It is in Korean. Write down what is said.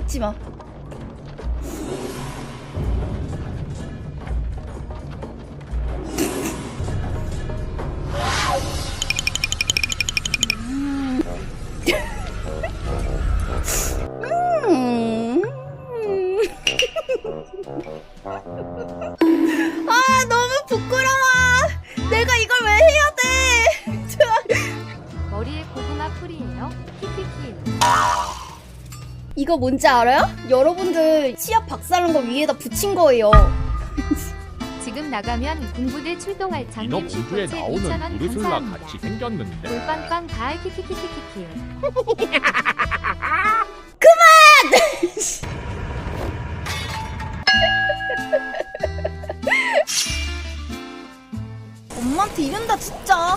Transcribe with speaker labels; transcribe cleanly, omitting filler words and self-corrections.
Speaker 1: 찍지 마. 아, 너무 부끄러워. 내가 이걸 왜 해야 돼?
Speaker 2: 머리에 고구마 풀이에요. 키키키.
Speaker 1: 이거 뭔지 알아요? 여러분들 치약 박사는 거 위에다 붙인 거예요.
Speaker 2: 지금 나가면 공부대 출동할
Speaker 3: 이너
Speaker 2: 장님
Speaker 3: 공주에
Speaker 2: 슈퍼챗
Speaker 3: 나오는
Speaker 2: 2,000원
Speaker 3: 우르슬라
Speaker 2: 감사합니다.
Speaker 3: 같이 생겼는데
Speaker 2: 올빵빵 가을 키키키키키키.
Speaker 1: 엄마한테 이른다 진짜.